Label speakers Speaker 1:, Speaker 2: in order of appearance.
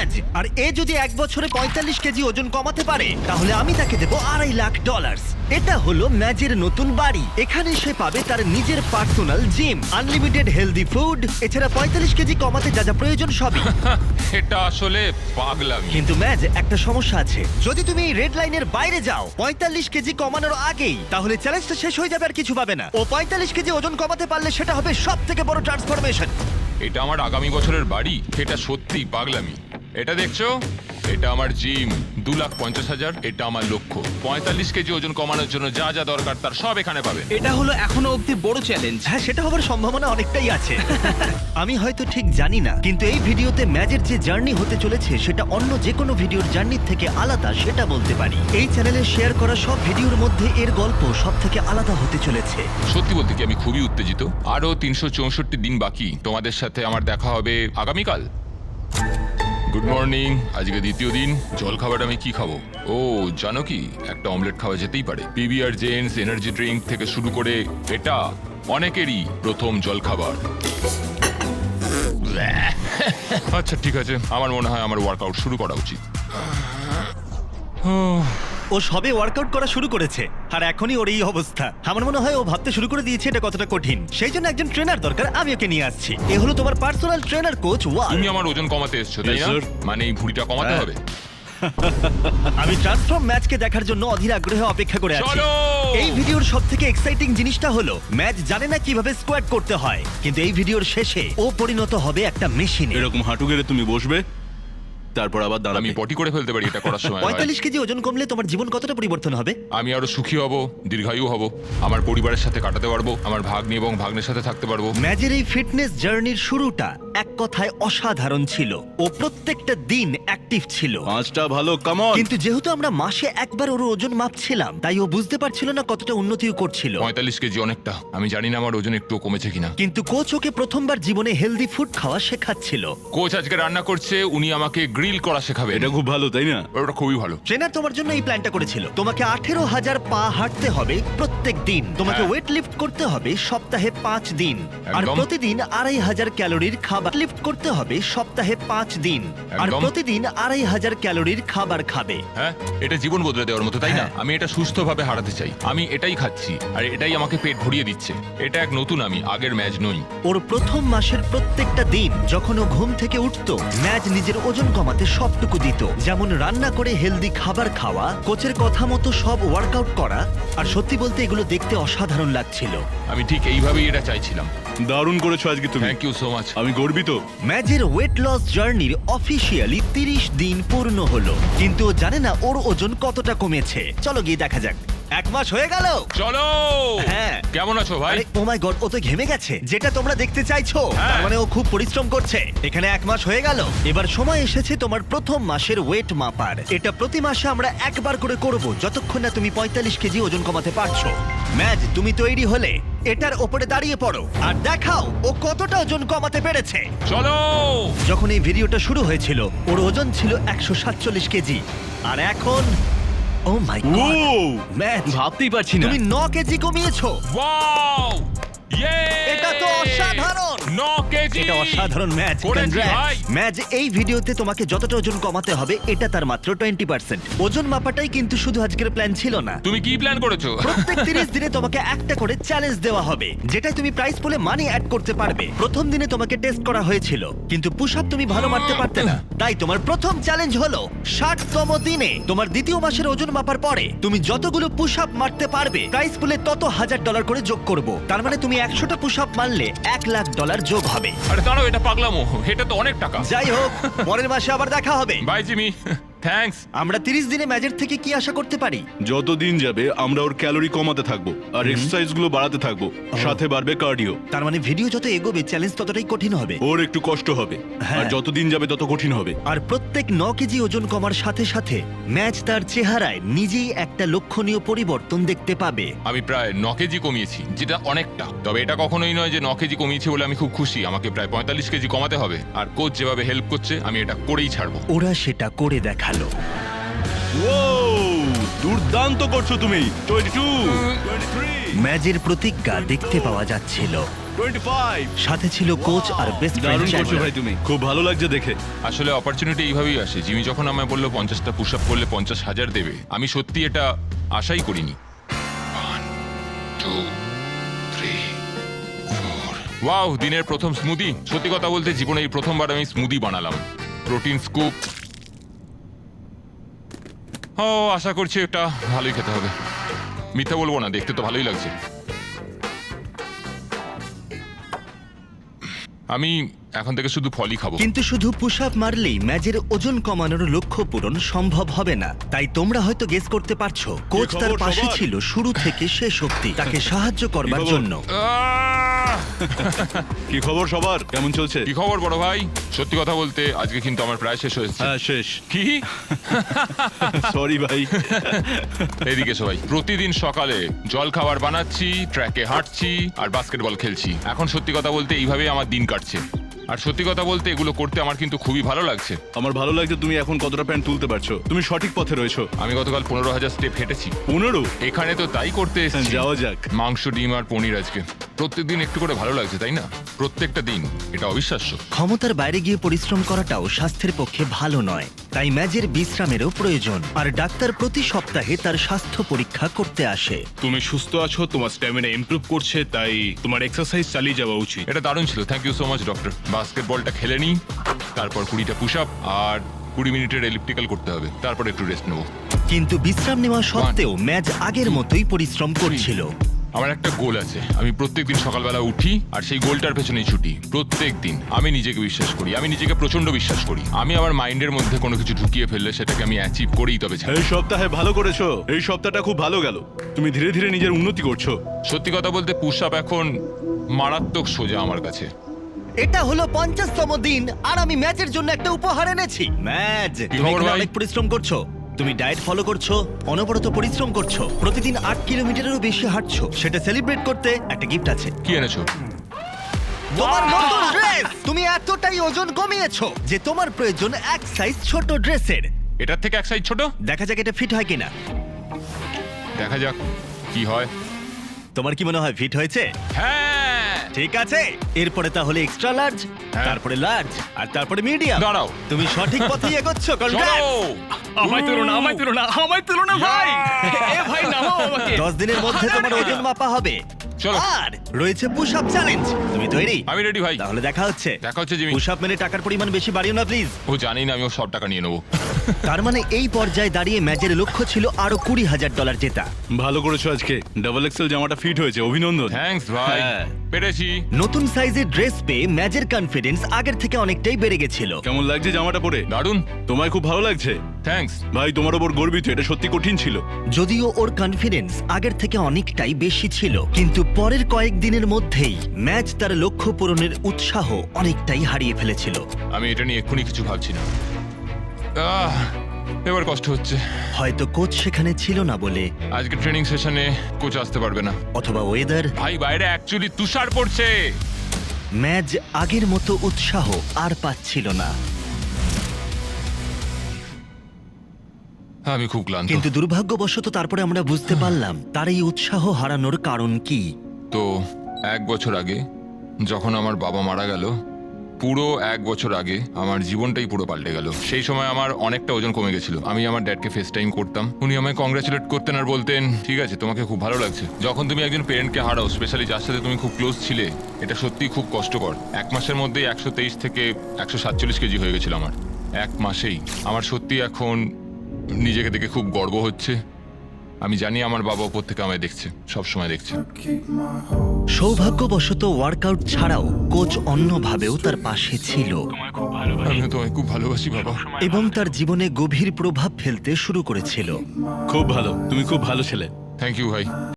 Speaker 1: ম্যাজ, আর এ যদি 1 বছরে 45 কেজি ওজন কমাতে পারে তাহলে আমি তাকে দেবো $2.5 লাখ। এটা হলো ম্যাজের নতুন বাড়ি। এখানে সে পাবে তার নিজের personal gym, unlimited healthy food, এছাড়া 45 কেজি কমাতে যা যা প্রয়োজন সবই।
Speaker 2: এটা আসলে পাগলামি।
Speaker 1: কিন্তু ম্যাজ, একটা সমস্যা আছে। যদি তুমি এই রেড লাইনের বাইরে যাও 45 কেজি কমানোর আগেই, তাহলে চ্যালেঞ্জটা শেষ হয়ে যাবে আর কিছু পাবে না। ও 45 কেজি ওজন কমাতে পারলে সেটা হবে সব থেকে বড় ট্রান্সফরমেশন।
Speaker 2: এটা আমার আগামী বছরের বাড়ি। এটা সত্যিই পাগলামি। এটা দেখছো, এটা আমার জিম, 2,50,000। এটা আমার লক্ষ্য। 45 কেজি ওজন কমানোর জন্য যা যা দরকার তার সব এখানে পাবেন।
Speaker 3: এটা হলো এখনো অব্দি বড় চ্যালেঞ্জ।
Speaker 1: হ্যাঁ, সেটা হবার সম্ভাবনা অনেকটাই আছে। আমি হয়তো ঠিক জানি না, কিন্তু এই ভিডিওতে ম্যাজের যে জার্নি হতে চলেছে সেটা অন্য যে কোনো ভিডিওর জার্নির থেকে আলাদা, সেটা বলতে পারি। এই চ্যানেলে শেয়ার করা সব ভিডিওর মধ্যে এর গল্প সব থেকে আলাদা হতে চলেছে।
Speaker 2: সত্যি বলতে কি আমি খুবই উত্তেজিত। আরো 364 দিন বাকি। তোমাদের সাথে আমার দেখা হবে আগামীকাল। Good morning. আজকে দ্বিতীয় দিন। জল খাবার আমি কি খাবো? ও জানো কি, একটা অমলেট খাওয়া যেতেই পারে। পিবিআর জেন্টস এনার্জি ড্রিঙ্ক থেকে শুরু করে এটা অনেকেরই প্রথম জল খাবার। আচ্ছা ঠিক আছে, আমার মনে হয় আমার ওয়ার্কআউট শুরু করা উচিত।
Speaker 1: ও সবে ওয়ার্কআউট করা শুরু করেছে আর এখনই ওর এই অবস্থা। আমার মনে হয় ও ভাবতে শুরু করে দিয়েছে এটা কতটা কঠিন। সেই জন্য একজন ট্রেনার দরকার, আমি ওকে নিয়ে আসছি। এ হলো তোমার পার্সোনাল ট্রেনার কোচ ওয়াল।
Speaker 2: তুমি আমার ওজন কমাতে এসছো তাই
Speaker 4: Yes,
Speaker 2: না?
Speaker 4: sir.
Speaker 2: মানে এই ভুঁড়িটা কমাতে হবে।
Speaker 1: আমি ট্রান্সফর্ম ম্যাচকে দেখার জন্য অধীর আগ্রহে অপেক্ষা করে আছি।
Speaker 2: চলো!
Speaker 1: এই ভিডিওর সবথেকে এক্সাইটিং জিনিসটা হলো ম্যাচ জানে না কিভাবে স্কোয়াট করতে হয়, কিন্তু এই ভিডিওর শেষে ও পরিণত হবে একটা মেশিনে।
Speaker 4: এরকম হাঁটু গেড়ে তুমি বসবে, তারপর আবার
Speaker 2: আমি
Speaker 4: দাঁড়াবে।
Speaker 2: পটি করে ফেলতে পারি এটা করার সময়।
Speaker 1: 45 কেজি ওজন কমলে তোমার জীবন কতটা পরিবর্তন হবে?
Speaker 2: আমি আরো সুখী হব, দীর্ঘায়ু হব, আমার পরিবারের সাথে কাটাতে পারবো, আমার ভাগ্নি এবং ভাগ্নের সাথে থাকতে পারবো।
Speaker 1: ম্যাচের এই ফিটনেস জার্নির শুরুটা এক কথায় অসাধারণ ছিল। ও প্রত্যেকটা দিন অ্যাক্টিভ ছিল।
Speaker 4: 5টা ভালো, কামন।
Speaker 1: কিন্তু যেহেতু আমরা মাসে একবার ওর ওজন মাপছিলাম, তাই ও বুঝতে পারছিল না কতটা উন্নতিও করছিল।
Speaker 2: 45 কেজি অনেকটা। আমি জানি না আমার ওজন একটু কমেছে কিনা।
Speaker 1: কিন্তু কোচ ওকে প্রথমবার জীবনে হেলদি ফুড খাওয়া শেখাচ্ছিল।
Speaker 2: কোচ আজকে রান্না করছে, উনি আমাকে গ্রিল করা শেখাবে।
Speaker 4: এটা খুব ভালো, তাই না?
Speaker 2: ওটা খুবই ভালো।
Speaker 1: ট্রেনার তোমার জন্য এই প্ল্যানটা করেছিল। তোমাকে 18,000 পা হাঁটতে হবে প্রত্যেক দিন। তোমাকে
Speaker 2: হ্যাঁ।
Speaker 1: ওয়েট লিফট করতে হবে সপ্তাহে 5 দিন। আর
Speaker 2: একদম।
Speaker 1: প্রতিদিন 2,500 ক্যালোরির খাবার লিফট করতে হবে সপ্তাহে 5 দিন। আর
Speaker 2: একদম।
Speaker 1: প্রতিদিন 2,500 ক্যালোরির খাবার খাবে।
Speaker 2: হ্যাঁ, এটা জীবন বদলে দেওয়ার মতো, তাই না?
Speaker 1: হ্যাঁ।
Speaker 2: আমি এটা সুস্থভাবে হারাতে চাই। আমি এটাই খাচ্ছি আর এটাই আমাকে পেট ভরিয়ে দিচ্ছে। এটা এক নতুন আমি, আগের ম্যাচ নই।
Speaker 1: ওর প্রথম মাসের প্রত্যেকটা দিন যখন ও ঘুম থেকে উঠতো, ম্যাচ নিজের ওজন কমাতে সবটুকু দিত। যেমন রান্না করে হেলদি খাবার খাওয়া, কোচের কথা মতো সব ওয়ার্কআউট করা। আর সত্যি বলতে এগুলো দেখতে অসাধারণ লাগছিল।
Speaker 2: আমি ঠিক এইভাবেই এটা চাইছিলাম।
Speaker 4: দারুণ করেছো আজকে তুমি।
Speaker 2: Thank you so much.
Speaker 4: আমি গর্বিত।
Speaker 1: ম্যাচের ওয়েট লস জার্নির অফিসিয়ালি 30 দিন পূর্ণ হলো, কিন্তু ও জানে না ওর ওজন কতটা কমেছে। চলো গিয়ে দেখা যাক। 1 মাস হয়ে গেল।
Speaker 2: চলো।
Speaker 1: হ্যাঁ।
Speaker 2: কেমন আছো ভাই?
Speaker 1: আরে ও মাই গড, ও তো ঘেমে গেছে, যেটা তোমরা দেখতে চাইছো।
Speaker 2: হ্যাঁ।
Speaker 1: তার মানে ও খুব পরিশ্রম করছে। এখানে 1 মাস হয়ে গেল। এবার সময় এসেছে তোমার প্রথম মাসের ওয়েট মাপার। এটা প্রতি মাসে আমরা একবার করে করব, যতক্ষণ না তুমি 45 কেজি ওজন কমাতে পারছো। ম্যাচ, তুমি তৈরি হলে এটার ওপরে দাঁড়িয়ে পড়ো আর দেখাও ও কতটা ওজন কমাতে পেরেছে।
Speaker 2: চলো।
Speaker 1: যখন এই ভিডিওটা শুরু হয়েছিল ওর ওজন ছিল 147 কেজি, আর এখন ও মাই
Speaker 4: ও
Speaker 1: গড ম্যাচ,
Speaker 3: ভাবতেই পারছি না।
Speaker 1: তুমি 9 কেজি কমিয়েছো।
Speaker 2: ওয়াও! ইয়ে!
Speaker 1: এটা তো অসাধারণ।
Speaker 2: 9 কেজি।
Speaker 1: এটা অসাধারণ ম্যাচ।
Speaker 2: করেছি ভাই।
Speaker 1: ম্যাচ, এই ভিডিওতে তোমাকে যতটা ওজন কমাতে হবে এটা তার মাত্র 20%। ওজন মাপাটাই কিন্তু শুধু আজকের প্ল্যান ছিল না।
Speaker 2: তুমি কি প্ল্যান করেছো?
Speaker 1: প্রত্যেক 30 দিনে তোমাকে একটা করে চ্যালেঞ্জ দেওয়া হবে, যেটাই তুমি প্রাইস পুলে মানি অ্যাড করতে পারবে। প্রথম দিনে তোমাকে টেস্ট করা হয়েছিল, কিন্তু পুশ আপ তুমি ভালো মারতে পারতে না। তাই তোমার প্রথম চ্যালেঞ্জ হলো 60তম দিনে তোমার দ্বিতীয় মাসের ওজন মাপার পরে তুমি যতগুলো পুশ আপ মারতে পারবে, প্রাইস পুলে তত $1,000 করে যোগ করব। তার মানে তুমি 100টা পুশ আপ মারলে $1,00,000 যোগ হবে।
Speaker 2: আরে দাঁড়াও, এটা পাগলামো। এটা তো অনেক টাকা।
Speaker 1: যাই হোক, পরের মাসে আবার দেখা হবে।
Speaker 2: Bye Jimmy. থ্যাঙ্কস।
Speaker 1: আমরা 30 দিনে ম্যাচের থেকে কি আশা করতে পারি?
Speaker 4: যত দিন যাবে আমরা ওর ক্যালোরি কমাতে থাকবো আর এক্সারসাইজ গুলো বাড়াতে থাকবো, সাথে বাড়বে কার্ডিও।
Speaker 1: তার মানে ভিডিও যত এগোবে চ্যালেঞ্জ ততটাই কঠিন হবে।
Speaker 4: ওর একটু কষ্ট হবে,
Speaker 1: হ্যাঁ।
Speaker 4: আর যত দিন যাবে তত কঠিন হবে।
Speaker 1: আর প্রত্যেক 9 কেজি ওজন কমার সাথে সাথে ম্যাচ তার চেহারায় নিজেই একটা লক্ষণীয় পরিবর্তন দেখতে পাবে।
Speaker 2: আমি প্রায় 9 কেজি কমিয়েছি, যেটা অনেকটা। তবে এটা কখনোই নয় যে 9 কেজি কমিয়েছি বলে আমি খুব খুশি। আমাকে প্রায় 45 কেজি কমাতে হবে। আর কোচ যেভাবে হেল্প করছে, আমি এটা করেই ছাড়বো।
Speaker 1: ওরা সেটা করে দেখালো।
Speaker 4: ও দুর্দান্ত করছো তুমি। 22, 23,
Speaker 1: ম্যাচের প্রতিজ্ঞা দেখতে পাওয়া যাচ্ছিল।
Speaker 4: 25।
Speaker 1: সাথে ছিল কোচ আর বেস্ট
Speaker 4: দারুণ করছো
Speaker 1: ফ্রেন্ড
Speaker 4: ভাই তুমি, খুব ভালো লাগছে দেখে।
Speaker 2: আসলে অপরচুনিটি এইভাবেই আসে। জিমি যখন আমায় বললো 50টা পুশ আপ করলে 50,000 দেবে, আমি সত্যি এটা আশাই করিনি। 1 2 3 4 ওয়াও, দিনের প্রথম স্মুদি। সত্যি কথা বলতে জীবনে এই প্রথমবার আমি স্মুদি বানালাম। Protein scoop. ও, আশা করছি এটা ভালোই খেতে হবে। মিথ্যা বলবো না, দেখতে তো ভালোই লাগছে। আমি এখন থেকে শুধু ফলই খাবো।
Speaker 1: কিন্তু শুধু পুশ আপ মারলেই ম্যাচের ওজন কমানোর লক্ষ্য পূরণ সম্ভব হবে না। তাই তোমরা হয়তো গেস করতে পারছো কোচ
Speaker 4: খবর
Speaker 1: তার পাশে
Speaker 4: সবার?
Speaker 1: ছিল শুরু থেকে শেষ অবধি তাকে সাহায্য করবার
Speaker 4: খবর?
Speaker 1: জন্য।
Speaker 2: আহ!
Speaker 4: কি খবর সবার, কেমন চলছে?
Speaker 2: কি খবর বড় ভাই? সত্যি কথা বলতে আজকে কিন্তু আমার প্রায় শেষ হয়েছে।
Speaker 4: হ্যাঁ শেষ।
Speaker 2: কি?
Speaker 4: সরি ভাই।
Speaker 2: এদিকে সবাই, প্রতিদিন সকালে জল খাবার বানাচ্ছি, ট্র্যাকে হাঁটছি আর বাস্কেটবল খেলছি। এখন সত্যি কথা বলতে এইভাবেই আমার দিন কাটছে। আর সত্যি কথা বলতে এগুলো করতে আমার কিন্তু খুবই ভালো লাগছে।
Speaker 4: আমার ভালো লাগছে তুমি এখন কতটা প্যান্ট তুলতে পারছো, তুমি সঠিক পথে রয়েছো।
Speaker 2: আমি গতকাল 15,000 স্টেপ হেঁটেছি।
Speaker 4: 15?
Speaker 2: এখানে তো তাই করতে এসেছি।
Speaker 4: যাওয়া যাক।
Speaker 2: মাংস, ডিম আর পনির আজকে। প্রত্যেকদিন একটু করে ভালো লাগছে, তাই না? প্রত্যেকটা দিন। এটা অবিশ্বাস্য।
Speaker 1: ক্ষমতার বাইরে গিয়ে পরিশ্রম করাটাও স্বাস্থ্যের পক্ষে ভালো নয়, তাই ম্যাচের বিশ্রামেরও প্রয়োজন। আর ডাক্তার প্রতি সপ্তাহে তার স্বাস্থ্য পরীক্ষা করতে আসে।
Speaker 5: তুমি সুস্থ আছো, তোমার স্ট্যামিনা ইমপ্রুভ করছে, তাই তোমার এক্সারসাইজ চালিয়ে যাওয়া উচিত।
Speaker 2: এটা দারুণ ছিল, thank you so much doctor. বাস্কেটবলটা খেলে নিই, তারপর 20টা পুশ আপ আর 20 মিনিটের এলিপ্টিক্যাল করতে হবে, তারপর একটু রেস্ট নেবো।
Speaker 1: কিন্তু বিশ্রাম নেওয়া সত্ত্বেও ম্যাচ আগের মতোই পরিশ্রম করছিল।
Speaker 2: আমার একটা গোল আছে, আমি প্রত্যেকদিন সকালবেলা উঠি আর সেই গোলটার পেছনেই ছুটি। প্রত্যেকদিন আমি নিজেকে বিশ্বাস করি, আমি নিজেকে প্রচন্ড বিশ্বাস করি। আমি আমার মাইন্ডের মধ্যে কোনো কিছু ঢুকিয়ে ফেললে সেটাকে আমি অ্যাচিভ করেই তবে ছাড়ি।
Speaker 4: এই সপ্তাহে ভালো করেছো, এই সপ্তাহটা খুব ভালো গেল, তুমি ধীরে ধীরে নিজের উন্নতি করছো।
Speaker 2: সত্যি কথা বলতে পুশ আপ এখন মারাত্মক সোজা আমার কাছে।
Speaker 1: এটা হলো 50তম দিন আর আমি ম্যাচের জন্য একটা উপহার এনেছি। ম্যাচ, তুমি
Speaker 2: খবর
Speaker 1: এখানে
Speaker 2: ভাই?
Speaker 1: অনেক পরিশ্রম করছো, তুমি ডায়েট ফলো করছো, অনবরত পরিশ্রম করছো, প্রতিদিন 8 কিলোমিটারেরও বেশি হাঁটছো। সেটা সেলিব্রেট করতে একটা গিফট আছে।
Speaker 2: কি এনেছো?
Speaker 1: তোমার নতুন ড্রেস। তুমি এতটাই ওজন কমিয়েছো যে তোমার প্রয়োজন এক সাইজ ছোট ড্রেসের।
Speaker 2: এটার থেকে এক সাইজ ছোট?
Speaker 1: দেখা যাক এটা ফিট হয় কিনা।
Speaker 2: দেখা যাক কি হয়।
Speaker 1: তোমার কি মনে হয় ফিট হয়েছে?
Speaker 2: হ্যাঁ।
Speaker 1: ঠিক আছে, এরপরে তাহলে এক্সট্রা লার্জ,
Speaker 2: হ্যাঁ।
Speaker 1: তারপরে লার্জ আর তারপরে মিডিয়াম।
Speaker 2: দাঁড়াও।
Speaker 1: তুমি সঠিক পথেই এগোচ্ছ।
Speaker 2: চলো।
Speaker 1: কনগ্রাটস।
Speaker 3: আমায় তুলো না, আমায় তুলো না, আমায় তুলো না ভাই। এ ভাই নামাও আমাকে।
Speaker 1: 10 দিনের মধ্যে তোমার ওজন মাপা হবে।
Speaker 2: চলো।
Speaker 1: আর রয়েছে পুশ আপ চ্যালেঞ্জ। তুমি তৈরি?
Speaker 2: আমি রেডি ভাই।
Speaker 1: তাহলে দেখা হচ্ছে।
Speaker 2: দেখা হচ্ছে জিমি।
Speaker 1: পুশ আপ মেনে টাকার পরিমাণ বেশি বাড়িও না প্লিজ।
Speaker 2: ও জানি না, আমি ওর সব টাকা নিয়ে নেবো।
Speaker 1: তার মানে এই পর্যায়ে দাঁড়িয়ে ম্যাচের লক্ষ্য ছিল আরো $20,000 জেতা।
Speaker 4: ভালো করেছো আজকে, ডাবল এক্সেল জামাটা ফিট হয়েছে, অভিনন্দন।
Speaker 2: থ্যাঙ্কস ভাই,
Speaker 4: হ্যাঁ।
Speaker 2: পেরেছি।
Speaker 1: নতুন সাইজের ড্রেস পেয়ে ম্যাচের কনফিডেন্স আগের থেকে অনেকটাই বেড়ে গেছিল।
Speaker 4: কেমন লাগছে জামাটা পরে?
Speaker 2: দারুণ,
Speaker 4: তোমায় খুব ভালো লাগছে
Speaker 2: থ্যাঙ্কস।
Speaker 4: ভাই, তোমার ওপর গর্বিত, এটা সত্যি কঠিন ছিল।
Speaker 1: যদিও ওর কনফিডেন্স আগের থেকে অনেকটাই বেশি ছিল, কিন্তু পরের কয়েকদিনের মধ্যেই ম্যাচ তার লক্ষ্য পূরণের উৎসাহ অনেকটাই হারিয়ে ফেলেছিল।
Speaker 2: আমি এটা নিয়ে এক্ষুনি কিছু ভাবছি না। এবার কষ্ট হচ্ছে।
Speaker 1: হয়তো কোচ সেখানে ছিল না বলে,
Speaker 2: আজকে ট্রেনিং সেশনে কোচ আসতে পারবে না।
Speaker 1: অথবা ওয়েদার।
Speaker 2: ভাই বাইরে অ্যাকচুয়ালি তুষার পড়ছে।
Speaker 1: ম্যাচ আগের মতো উৎসাহ আর পাচ্ছিল না।
Speaker 2: আমি খুব ক্লান্ত।
Speaker 1: কিন্তু দুর্ভাগ্যবশত তারপরে আমরা বুঝতে পারলাম তার এই উৎসাহ হারানোর কারণ কি।
Speaker 2: তো 1 বছর আগে যখন আমার বাবা মারা গেল, পুরো 1 বছর আগে আমার জীবনটাই পুরো পাল্টে গেল। সেই সময় আমার অনেকটা ওজন কমে গেছিল। আমি আমার ড্যাডকে ফেস টাইম করতাম, উনি আমায় কংগ্রাচুলেট করতেন আর বলতেন, ঠিক আছে তোমাকে খুব ভালো লাগছে। যখন তুমি একজন পেরেন্টকে হারাও, স্পেশালি যার সাথে তুমি খুব ক্লোজ ছিলে, এটা সত্যিই খুব কষ্টকর। 1 মাসের মধ্যেই 123 থেকে 147 কেজি হয়ে গেছিল আমার, 1 মাসেই। আমার সত্যি এখন নিজেকে দেখে খুব গর্ব হচ্ছে। আমি জানি আমার বাবা ওপর থেকে আমায় দেখছে, সব সময় দেখছে।
Speaker 1: সৌভাগ্যবশত ওয়ার্কআউট ছাড়াও কোচ অন্যভাবেও তার পাশে ছিল
Speaker 2: আমিও তোমায় খুব ভালোবাসি বাবা।
Speaker 1: এবং তার জীবনে গভীর প্রভাব ফেলতে শুরু করেছিল।
Speaker 4: খুব ভালো, তুমি খুব ভালো ছেলে।
Speaker 2: থ্যাংক ইউ ভাই।